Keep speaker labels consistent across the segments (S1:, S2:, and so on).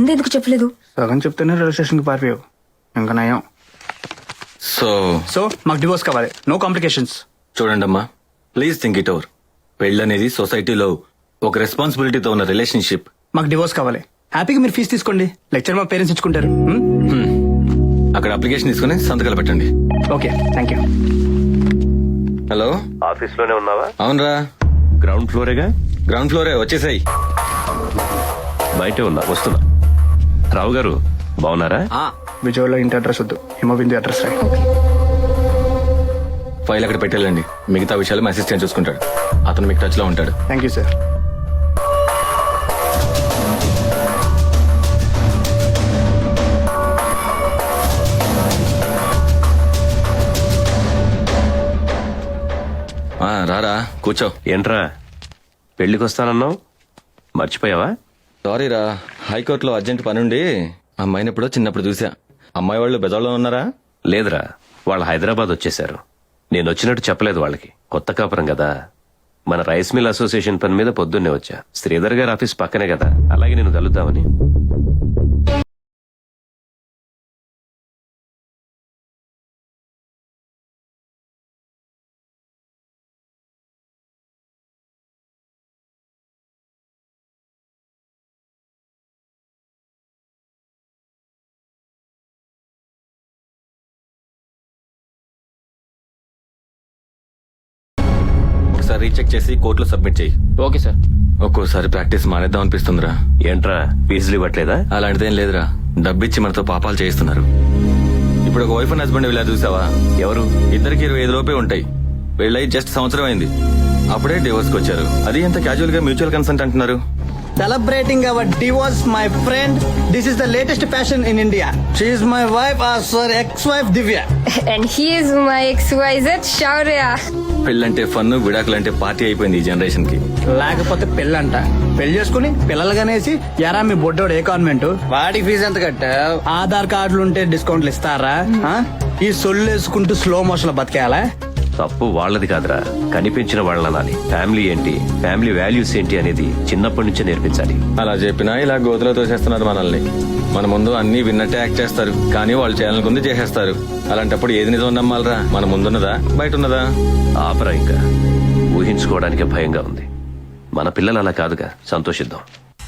S1: ముందే ఎందుకు చెప్పలేదు?
S2: సగం చెప్తేనే రిజిస్ట్రేషన్ కి పారిపోయావు. ఇంకా నయం. సో మాకు డివోర్స్ కావాలి, నో కాంప్లికేషన్స్.
S3: చూడండి అమ్మా, ప్లీజ్ థింక్ ఇట్ ఓవర్. పెళ్ళనేది సొసైటీలో ఒక రెస్పాన్సిబిలిటీతో ఉన్న రిలేషన్షిప్.
S2: మాకు డివోర్స్ కావాలి. హ్యాపీగా మీరు ఫీజు తీసుకోండి, లెక్చర్ మా పేరెంట్స్ ఇచ్చుకుంటారు.
S3: అక్కడ అప్లికేషన్ తీసుకుని సంతకాలు పెట్టండి.
S2: Okay, thank you.
S3: Hello,
S4: office లోనే ఉన్నావా?
S3: అవునరా,
S4: గ్రౌండ్ ఫ్లోరేగా?
S3: గ్రౌండ్ ఫ్లోరే, వచ్చేసాయి.
S4: బయటే ఉన్నా, వస్తున్నా. రావు గారు బాగున్నారా?
S2: విజయవాడలో ఇంటి అడ్రస్ వద్దు, హిమబిందు అడ్రస్ రాయి.
S3: ఫైల్ అక్కడ పెట్టాలండి, మిగతా విషయాలు మా అసిస్టెంట్ చూసుకుంటాడు. అతను మీకు టచ్ లో ఉంటాడు.
S2: Thank you sir.
S3: రారా, కూర్చో.
S4: ఏంట్రా పెళ్లికి వస్తానన్నావు, మర్చిపోయావా?
S3: సారీ రా, హైకోర్టులో అర్జెంట్ పనుండి అమ్మాయిని ఎప్పుడో చిన్నప్పుడు చూసా. అమ్మాయి వాళ్ళు బెదవాళ్ళలో ఉన్నారా?
S4: లేదురా, వాళ్ళు హైదరాబాద్ వచ్చేశారు. నేను వచ్చినట్టు చెప్పలేదు వాళ్ళకి, కొత్త కాపురం కదా. మన రైస్ మిల్ అసోసియేషన్ పని మీద పొద్దున్నే వచ్చా. శ్రీధర్ గారి ఆఫీస్ పక్కనే కదా, అలాగే నేను కలుద్దామని.
S3: ఒకసారి రీచెక్ చేసి కోర్టులో సబ్మిట్ చేయి.
S2: Okay sir.
S3: ఒక్కోసారి ప్రాక్టీస్ మానేద్దాం అనిపిస్తుందిరా.
S4: ఏంట్రా ఫీజులు ఇవ్వట్లేదా?
S3: అలాంటిదేం లేదురా, డబ్బిచ్చి మనతో పాపాలు చేయిస్తున్నారు. ఇప్పుడు ఒక వైఫ్ అండ్ హస్బెండ్ ఇలా చూసావా?
S4: ఎవరు?
S3: ఇద్దరికి 25 లోపే ఉంటాయి. పెళ్ళై జస్ట్ సంవత్సరం అయింది, అప్పుడే డివోర్స్ కి వచ్చారు. అది ఎంత క్యాజువల్ గా మ్యూచువల్ కన్సెంట్ అంటున్నారు.
S2: Celebrating our divorce, my friend. This is the latest fashion in India. She is my wife, sorry, ex-wife Divya.
S1: And he is my XYZ Shaurya.
S3: పెళ్ళంటే ఫన్, విడాకులంటే పార్టీ అయిపోయింది ఈ జనరేషన్ కి.
S2: లేకపోతే పెళ్ళంట. పెళ్లి చేసుకుని పిల్లలుగానేసి ఎరా మీ బొడ్డోడు ఏ కాన్వెంట్, వాడికి ఫీజు ఎంత కట్టావు? ఆధార్ కార్డులు ఉంటే డిస్కౌంట్లు ఇస్తారా? ఈ సొల్లు వేసుకుంటూ స్లో మోషన్ లో బతికేయాలా?
S4: తప్పు వాళ్ళది కాదురా, కనిపించిన వాళ్ళని అనాలి. ఫ్యామిలీ ఏంటి, ఫ్యామిలీ వాల్యూస్ ఏంటి అనేది చిన్నప్పటి నుంచే నేర్పించాలి.
S3: అలా చెప్పినా ఇలా గోతులో తోసేస్తున్నారు మనల్ని. మన ముందు అన్ని విన్నట్టే యాక్ట్ చేస్తారు, కానీ వాళ్ళు చేయాలనుకుంది చేసేస్తారు. అలాంటప్పుడు ఏది నిజం నమ్మాలరా? మన ముందున్నదా బయట ఉన్నదా?
S4: ఆపరా, ఇంకా ఊహించుకోవడానికే భయంగా ఉంది. మన పిల్లలు అలా కాదుగా, సంతోషిద్దాం.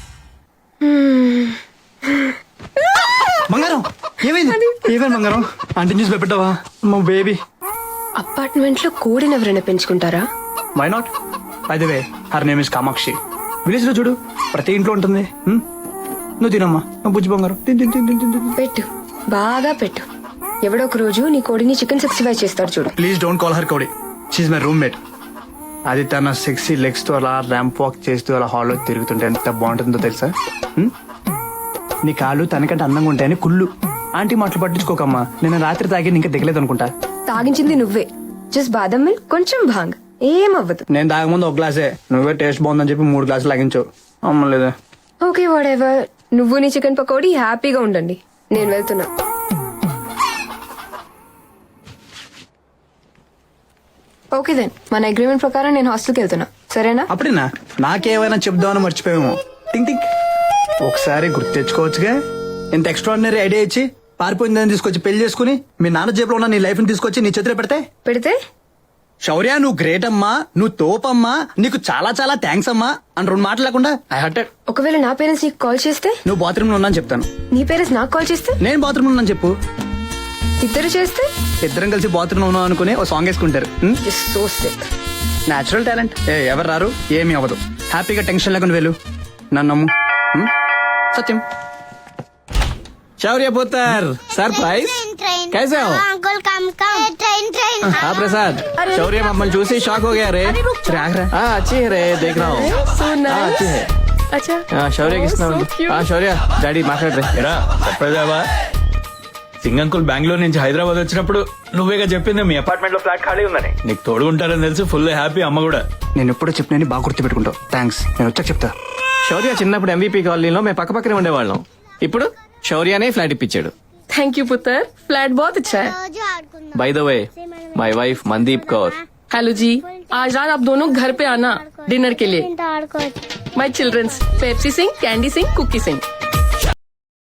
S2: బంగారం ఏమైంది? ఏమైంది బంగారం? అంటే న్యూస్ పెట్టావా? మా బేబీ
S1: అపార్ట్మెంట్ లో కోడిని ఎవరైనా పెంచుకుంటారా?
S2: Why not? By the way, her name is Kamakshi. Village లో చూడు, ప్రతి ఇంట్లో ఉంటుంది. నువ్వు తినమ్మా, నువ్వు బుజ్జి బంగారం.
S1: పెట్టు, బాగా పెట్టు. ఎవడో ఒక రోజు నీ కోడిని చికెన్ 65 చేస్తాడు చూడు.
S2: ప్లీజ్ డోంట్ కాల్ హర్ కోడి, షీఈ్ మై రూమ్మేట్. అది తన సెక్సీ లెగ్స్ తో అలా ర్యాంప్ వాక్ చేస్తూ అలా హాల్లో తిరుగుతుంటే ఎంత బాగుంటుందో తెలుసా? నీ కాళ్ళు తనకంటే అందంగా ఉంటాయని కుళ్ళు. ఆంటీ మాటలు పట్టించుకోకమ్మా. నేను రాత్రి తాగి ఇంకా దిగలేదు అనుకుంటా.
S1: తాగించింది నువ్వే. జస్ట్ బాదం మిల్క్, కొంచెం భాంగ్, ఏమవ్వదు.
S2: నేను తాగముందు ఒక గ్లాసే, నువ్వే టేస్ట్ బాగుందని చెప్పి 3 గ్లాసులు లాగించావు. అమ్మలేదా?
S1: Okay, whatever. నువ్వు నీ చికెన్ పకోడీ హ్యాపీగా ఉండండి, నేను వెళ్తున్నా. ఓకే దెన్, మన అగ్రిమెంట్ ప్రకారం నేను హాస్టల్కి వెళ్తున్నా, సరేనా?
S2: అప్పుడేనా? నాకేమైనా చెప్దామని మర్చిపోయాము. థింక్ థింక్, ఒకసారి గుర్తు తెచ్చుకోవచ్చుగా. ఇంత ఎక్స్ట్రాడినరీ ఐడియా ఇచ్చి పారిపోయిందని తీసుకొచ్చి పెళ్లి చేసుకుని మీ నాన్న జేబులో ఉన్న నీ లైఫ్ ని తీసుకొచ్చి నీ చేతిలో పెడితే శౌర్య, నువ్వు గ్రేట్ అమ్మా, నువ్వు తోపమ్మా, నీకు చాలా చాలా థ్యాంక్స్ అమ్మా అని 2 మాటలు లేకుండా ఐ హర్టెడ్.
S1: ఒకవేళ నా పేరెంట్స్ నీకు కాల్ చేస్తే?
S2: నువ్వు బాత్రూమ్ లో ఉన్నాను చెప్తాను.
S1: నీ పేరెంట్స్ నాకు కాల్ చేస్తే?
S2: నేను బాత్రూమ్ లో ఉన్నాను చెప్పు.
S1: ఇద్దరు చేస్తే?
S2: ఇద్దరం కలిసి బాత్రూమ్ లో ఉన్నాం అనుకుని ఒక సాంగ్ వేసుకుంటారు.
S1: So sick.
S2: Natural talent. ఎవరు రారు, ఏమీ అవ్వదు. హ్యాపీగా టెన్షన్ లేకుండా వెళ్ళు, నన్ను నమ్ము. సత్యం. शौर्य पुत्र सरप्राइज कैसे हो
S5: अंकल कम ट्रेन
S2: हाँ प्रसाद शौर्य मम्मल चूसी शॉक हो गया रे हाँ अच्छी है रे देख रहा हूँ अच्छी है
S1: अच्छा
S2: शौर्य किसना हाँ शौर्य డాడీ మాట్లాడరా
S6: చెప్పేదావా సింగ్ అంకుల్ బెంగళూరు నుంచి హైదరాబాద్ వచ్చినప్పుడు నువ్వేగా చెప్పింది మీ అపార్ట్మెంట్ లో ఫ్లాట్ ఖాళీ ఉందని. నీకు తోడుకుంటారని తెలిసి ఫుల్ హ్యాపీ. అమ్మ కూడా
S2: నేను ఎప్పుడో చెప్పినని బాగా గుర్తు పెట్టుకుంటావు. థ్యాంక్స్, నేను వచ్చాక చెప్తా. శౌర్య చిన్నప్పుడు ఎంవీపీ కాలనీలో మేము పక్క పక్కనే ఉండేవాళ్ళం. ఇప్పుడు శౌర్యనే ఫ్లాట్ ఇప్పించాడు.
S7: थैंक यू पुत्र, फ्लैट बहुत अच्छा है.
S2: By the way my wife Mandeep Kaur.
S7: Hello जी, आज रात आप दोनों घर पे आना डिनर के लिए. My childrens Pepsi Singh, candy Singh, cookie Singh.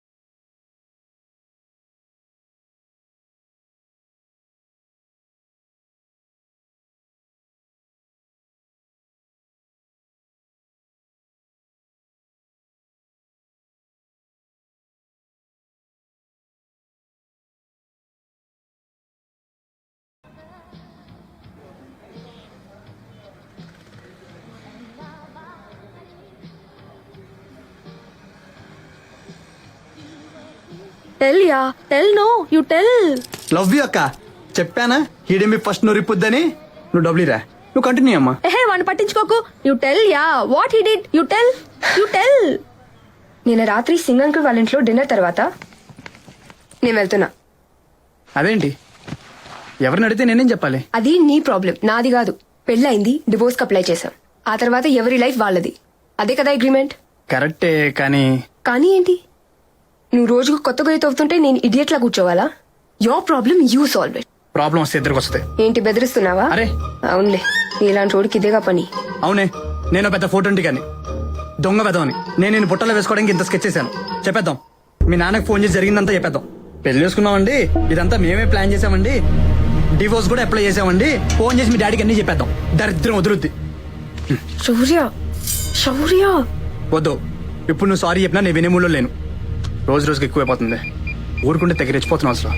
S7: Tell ya. Tell no. You tell.
S2: Love you అక్క చెప్పానా ఈడేమి ఫస్ట్ నువ్వు రిప్పుద్దని నువ్వు డబ్బులిరా నువ్వు కంటిన్యూ అమ్మా
S7: Hey, one పట్టించుకోకు. You tell ya. What he did. You tell. You tell.
S1: నిన్న రాత్రి సింగ్ అంకుల్ వాళ్ళ ఇంట్లో డిన్నర్ తర్వాత నేను వెళ్తున్నా.
S2: అదేంటి ఎవరిని అడిగితే నేనేం చెప్పాలి
S1: అది నీ ప్రాబ్లం, నాది కాదు. పెళ్ళైంది, డివోర్స్ కి అప్లై చేశాం. ఆ తర్వాత ఎవరి లైఫ్ వాళ్ళది. అదే కదా అగ్రిమెంట్.
S2: కరెక్టే కానీ
S1: కానీ ఏంటి, నువ్వు రోజుకు కొత్త గొయ్యి తవ్వుతుంటే నేను ఇడియట్ లా కూర్చోవాలా? Your problem you solve it.
S2: Problem వస్తే ఇద్దరికి వస్తుంది
S1: ఏంటి బెదిరిస్తున్నావా?
S2: అరే.
S1: అవునులే, ఇలాంటి చోడికి ఇదేగా పని.
S2: అవునే నేను పెద్ద ఫోటో కానీ దొంగ పెదవని నేను బుట్టలో వేసుకోవడానికి ఇంత స్కెచ్ చేశాను. చెప్పేద్దాం, మీ నాన్నకి ఫోన్ చేసి జరిగిందంతా చెప్పేద్దాం. పెళ్లి చేసుకున్నామండి, ఇదంతా మేమే ప్లాన్ చేసామండి, డివోర్స్ కూడా అప్లై చేసామండి, ఫోన్ చేసి మీ డాడీకి అన్ని చెప్పేద్దాం. దరిద్రం వదులుద్ది.
S1: శౌర్య, శౌర్య,
S2: వద్దు, ఇప్పుడు నువ్వు సారీ చెప్పినా నేను వినే మూడ్లో లేను. రోజు రోజుకి ఎక్కువైపోతుంది. ఊరుకుంటే తెగ రెచ్చిపోతున్నావు అసలు.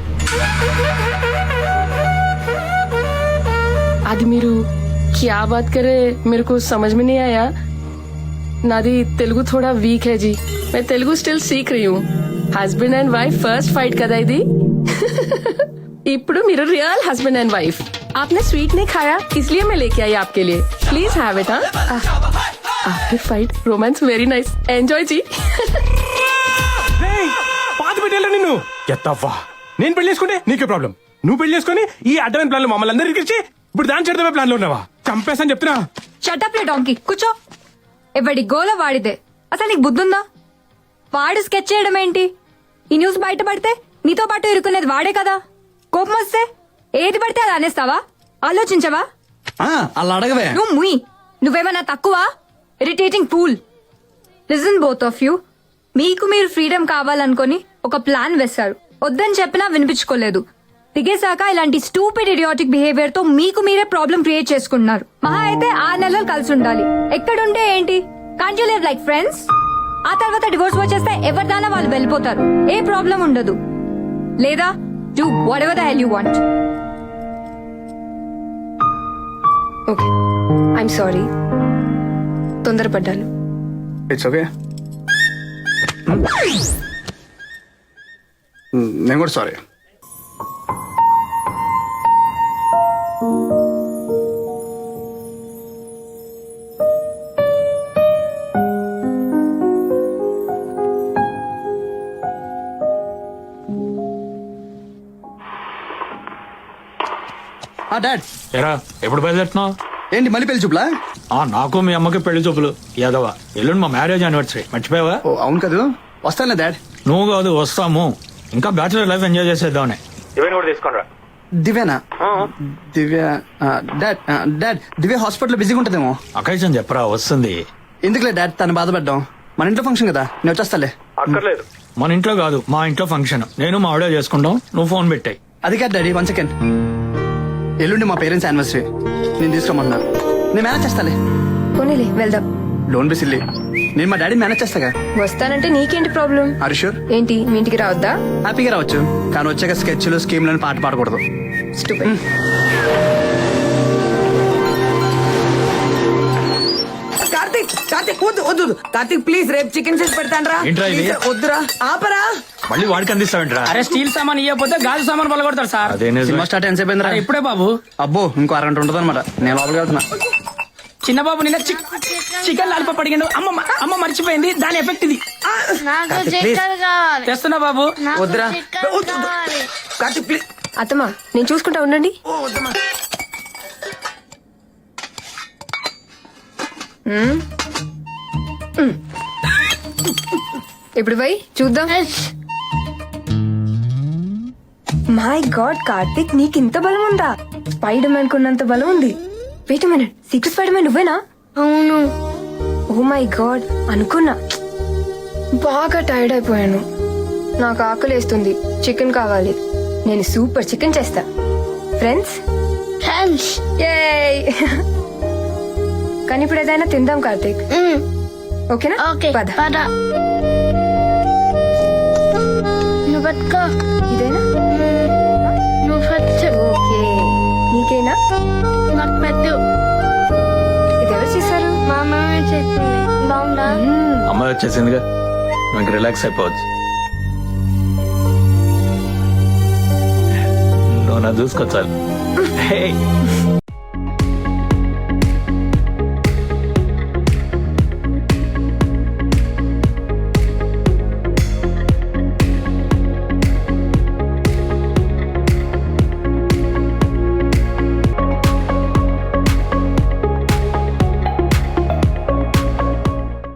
S7: आदि मेरू क्या बात करे, मेरे को समझ में नहीं आया. नादी तेलुगु थोड़ा वीक है जी. मैं तेलुगु स्टिल सीख रही हूँ. Husband and wife first fight కదా ఇది. ఇప్పుడు మీరు రియల్ हस्बैंड एंड वाइफ. आपने स्वीट नहीं खाया इसलिए मैं लेके आई आपके लिए. Please have it. After fight romance very nice. Enjoy जी.
S8: పాత పెట్టేలా నిన్ను ఎత్తవ్వా. నేను పెళ్లి చేసుకుంటే నీకే ప్రాబ్లం. నువ్వు పెళ్లి చేసుకుని ఈ అడ్డమైన ప్లాన్ లో మమ్మల్ని అందరూ ఇరికించి ఇప్పుడు దాని చెడమే ప్లాన్ లో ఉన్నావా? చంపేసని చెప్తున్నా.
S9: షటప్ లే డాంకీ, కూర్చో. ఎవడి గోల వాడిదే. అసలు నీకు బుద్ధుందా? వాడు స్కెచ్ చేయడం ఏంటి? ఈ న్యూస్ బయటపడితే నీతో పాటు ఇరుకునేది వాడే కదా. కోపం వస్తే ఏది పడితే అది అనేస్తావా? ఆలోచించవా?
S2: అలా అడగవే.
S9: నువ్వు ముయ్. నువ్వేమన్నా తక్కువ? Irritating fool. Listen both of you. మీకు మీరు ఫ్రీడమ్ కావాలనుకొని ఒక ప్లాన్ వేశారు. వద్దని చెప్పినా వినిపించుకోలేదు. దిగేశాక ఇలాంటి స్టూపిడ్ ఇడియాటిక్ బిహేవియర్ తో మీకు మీరే ప్రాబ్లం క్రియేట్ చేసుకుంటున్నారు. మహా అయితే 6 నెలలు కలిసి ఉండాలి. ఎక్కడుంటే ఏంటి? Can't you live like friends? ఆ తర్వాత డివోర్స్ వచ్చేస్తే ఎవరిదానా వాళ్ళు వెళ్ళిపోతారు. ఏ ప్రాబ్లం ఉండదు. లేదా do whatever the hell you want.
S1: Okay, I'm sorry, తొందరపడ్డాను.
S2: It's okay. నేను కూడా సారీ. డాడ్,
S6: ఎరా ఎప్పుడు బయలుదేరుతున్నావు?
S2: ఏంటి మళ్ళీ పెళ్లి చూపులా?
S6: నాకు మీ అమ్మకి పెళ్లి చూపులు. యాదవ ఎల్లుండి మా మ్యారేజ్ యానివర్సరీ, మర్చిపోయావా?
S2: ఓ అవును కదా, వస్తానులే డాడ్.
S6: నువ్వు కాదు, వస్తాము. ఇంకా బ్యాచులర్ లైఫ్ ఎంజాయ్ చేసేద్దామని. ఇవన్నీ కూడా తీసుకోండి.
S2: దివ్యానా? దివ్య డాడ్ దివ్య హాస్పిటల్ బిజీగా ఉంటుందేమో.
S6: అకేషన్ చెప్పరా, వస్తుంది.
S2: ఎందుకులే డాడ్ తను బాధపడ్డాం. మన ఇంట్లో ఫంక్షన్ కదా, నేను వచ్చేస్తాలే.
S6: అక్కర్లేదు, మన ఇంట్లో కాదు మా ఇంట్లో ఫంక్షన్. నేను మా ఆవిడ చేసుకుంటాం, నువ్వు ఫోన్ పెట్టాయి.
S2: అది కాదు డాడీ, 1 సెకండ్. ఎల్లుండి మా పేరెంట్స్ యానివర్సరీ, నేను తీసుకోమన్నారు. నేను మేనేజ్ చేస్తాలే.
S1: పోనీలే వెళ్దాం.
S2: డోంట్ బి సిల్లీ, నేను మా డాడీ మేనేజ్ చేస్తాగా.
S1: వస్తానంటే నీకేంటి ప్రాబ్లం?
S2: Are you sure?
S1: ఏంటి మీ ఇంటికి రావద్దా?
S2: హ్యాపీగా రావచ్చు, కానీ వచ్చాక స్కెచ్లు స్కీమ్లను పాట పాడకూడదు.
S1: Stupid.
S10: కార్తిక్, కార్తిక్ వద్దు వద్దు కార్తిక్ ప్లీజ్, రేపు చికెన్ చేసి పెడతాను.
S6: ఏంట్రా ఇది?
S10: వద్దురా, ఆపరా.
S6: మళ్ళీ వాడికి అందిస్తావంటరా?
S10: అరే స్టీల్ సామాన్ ఇవ్వకపోతే గాజు సామాన్ పలగొడతారు సార్.
S6: అదే
S2: సినిమా స్టార్ట్ ఎంత సేపు అయిందిరా?
S10: ఇప్పుడే బాబు.
S2: అబ్బో ఇంకో 6 గంటలు ఉంటుంది అనమాట. నేను లోపలికి వెళ్తున్నా.
S10: చిన్న బాబు నిన్న చికెన్ లాలిపాప్ అడిగాడు. అమ్మ మర్చిపోయింది, దాని ఎఫెక్ట్ ఇది. తెస్తున్నా బాబు. వద్దురా కార్తిక్ ప్లీజ్.
S1: అత్తమ్మా నేను చూసుకుంటా, ఉండండి. ఇప్పుడు పోయి చూద్దాం. మై గాడ్ కార్తిక్, నీకు ఇంత బలం ఉందా? స్పైడర్ మ్యాన్ కున్నంత బలం ఉంది. Wait minute, secret spider man నువ్వేనా?
S5: అవును.
S1: ఓ మై గాడ్, అనుకున్నా. బాగా టైర్డ్ అయిపోయాను, నాకు ఆకలేస్తుంది, చికెన్ కావాలి. నేను సూపర్ చికెన్ చేస్తా. ఫ్రెండ్స్?
S5: ఫ్రెండ్స్.
S1: కానీ ఇప్పుడు ఏదైనా తిందాం కార్తిక్, ఓకేనా?
S5: ఓకే
S1: పద.
S5: పద. నువ్వు పట్టుకో.
S1: ఇదేనా?
S5: నువ్వు ఫస్ట్.
S1: ఓకే, నీకేనా?
S5: నాకు పెట్టు.
S1: ఇది ఎవరు చేశారు?
S5: మా అమ్మ చేసింది. బాగుందా?
S6: అమ్మాయి వచ్చేసిందిగా, నాకు రిలాక్స్ అయిపోవచ్చు. నువ్వు నా చూసుకో చాలు. హే